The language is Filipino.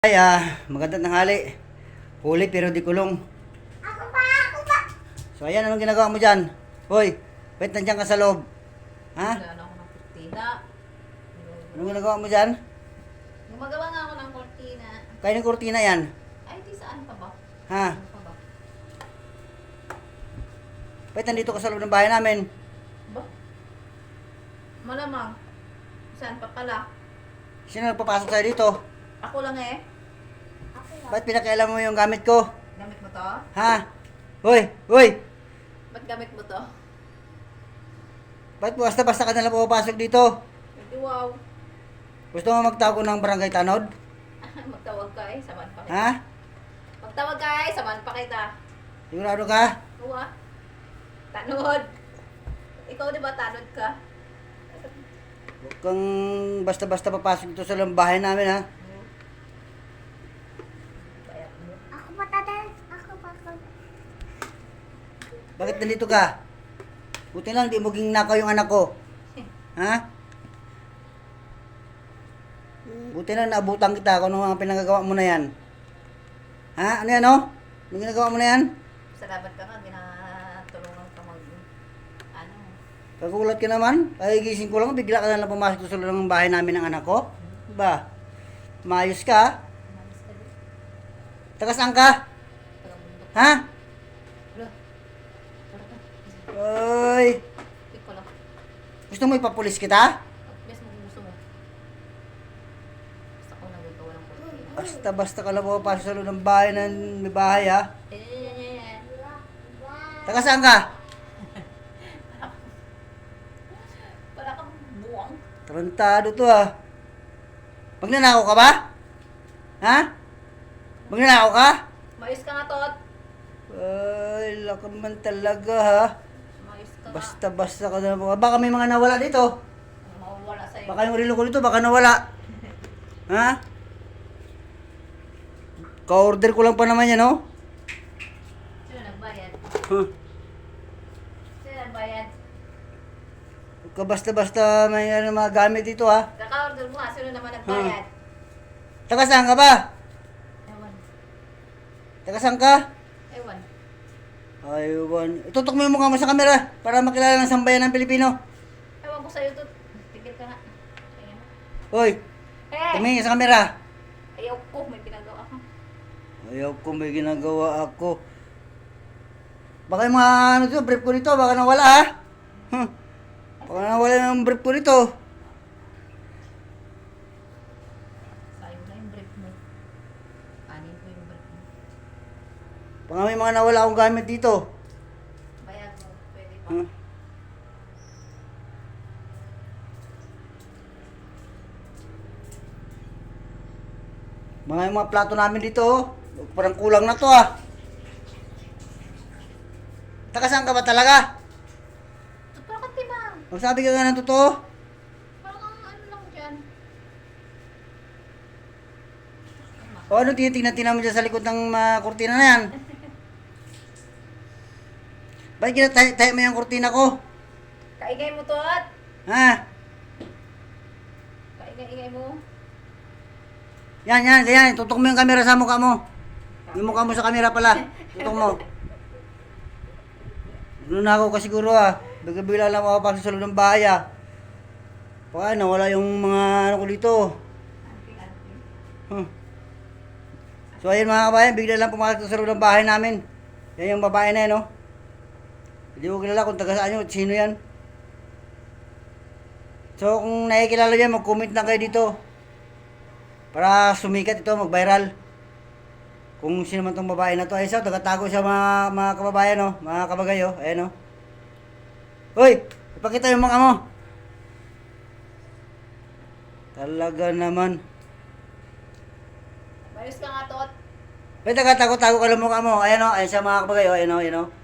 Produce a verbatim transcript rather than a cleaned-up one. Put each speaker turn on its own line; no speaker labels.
Ay, ah, magandang tanghali. Huli pero di kulong.
Ako pa, ako pa.
So, ayan, anong ginagawa mo dyan? Hoy, ba't nandiyan ka sa loob? Ha?
Wala ako ng kurtina.
Anong ginagawa mo dyan?
Gumagawa nga ako ng kurtina.
Kaya ng kurtina yan.
Ay, di saan pa ba?
Ha?
Ano pa ba?
Ba't nandito ka sa loob ng bahay namin?
Ba? Malamang. Saan pa pala?
Sino nagpapasok sa'yo dito?
Ako lang eh.
Ako lang.
Ba't pinakialam mo yung gamit ko?
Gamit mo to?
Ha? Hoy, hoy!
Ba't gamit mo to?
Ba't basta-basta ka nalang pumapasok dito?
Hindi wow.
Gusto mo magtago ng barangay tanod?
Magtawag ka eh. Saman pa kita.
Ha?
Magtawag ka eh. Saman pa kita.
Sigurado ka?
Uwa. Tanod. Ikaw di ba tanod ka?
Huwag kang basta-basta papasok dito sa loob ng bahay namin, ha?
Hmm. Bayad mo.
Ako pa, tatay. Ako pa, ako.
Bakit nandito ka? Buti lang, di mo ginakaw yung anak ko. Ha? Buti lang, naabutan kita kung ano mga pinagagawa mo na yan. Ha? Ano yan, oh? Ano ginagawa mo na yan?
Salamat ka nga. Ginatulungan ka mag... Ano?
Kagulat ka naman. Kagigising ko lang, bigla ka na lang pumasok sa loob ng bahay namin ng anak ko. Diba? Maayos ka?
Umalis ka din.
Taga saan ka?
Taga-bundok.
Ha?
Wala. Wala ka.
Oy!
Pick ko lang.
Gusto mo ipapulis kita?
Bes mo kung gusto mo. Basta ko nagagawa walang kurtina.
Basta-basta ka lang pumapasok sa loob ng bahay ng may bahay, ha?
Eh, yan, yan, yan.
Taga saan ka?
Para kang buwang.
Tarantado to, ha? Magnanakaw ka ba? Ha? Magnanakaw ka?
Mayos ka nga, Tot.
Ay, lakam man talaga, ha?
Mayos ka nga.
Basta-basta ka na. Baka may mga nawala dito.
Ano mawawala sa'yo?
Baka yung relo ko dito, baka nawala. Ha? Ka-order ko lang pa naman yan, oh.
Sino nagbayad?
Huh.
Sino nagbayad?
Huwag ka basta-basta may ano, mga gamit dito, ha?
Kaka-order mo nga. Sino naman nagbayad?
Taga saan ka ba?
Ewan.
Taga saan ka?
Ewan.
Aywan. Itutok mo yung mukha mo sa camera para makilala ng sambayan ng Pilipino.
Ewan ko sa'yo, Tot. Tigil ka nga. Ayan.
Hoy,
Eh!
tumingin sa camera.
Ayaw ko. May pinagawa ka.
Ayaw ko, may ginagawa ako. Baka yung mga ano dito, brief ko dito, baka nawala, ha? Huh. Baka nawala yung brief ko dito.
Sayo na yung brief mo. Kanin ko yung brief mo.
Baka may mga nawala akong gamit dito.
Bayad mo. Pwede pa.
Huh. Mga yung mga plato namin dito, oh. Parang kulang na to, ah. Taga saan ka ba talaga?
Tot, parang katibang.
Magsabi ka nga ng totoo.
Parang ang ano lang dyan.
O ano tinitingnan-tingnan mo dyan sa likod ng mga kurtina na yan? Bakit kinatayo mo yung kurtina ko?
Kaingay mo, Tot.
Ha?
Kaingay-ingay mo.
Yan, yan, yan. Tutok mo yung camera sa mukha mo. Yung mukha mo sa camera pala. Tutok mo. Ano na ako kasi siguro, ah. Bigla-bigla lang ako pasok sa loob ng bahay, ah. Baka nawala yung mga ano ko dito.
Anting-anting.
Huh. So ayun mga kabayan, bigla lang pumasok sa loob ng bahay namin. Yan yung babae na yan, no? Hindi ko kilala kung taga saan yun, sino yan. So kung nakikilala yan, mag-comment lang kayo dito. Para sumikat ito, mag-viral. Kung sino man tong babae na to. Ay, so, taga-tago siya mga, mga kababayan, no? Mga kabagay, oh. Ayan, no? Hoy! Ipakita yung mga mo. Talaga naman.
Mayos ka nga, Tot.
May taga-tago-tago ka lang mukha mo. Ayan, no? Ayan siya mga kabagay, oh. Ayan, no? Ayan, no?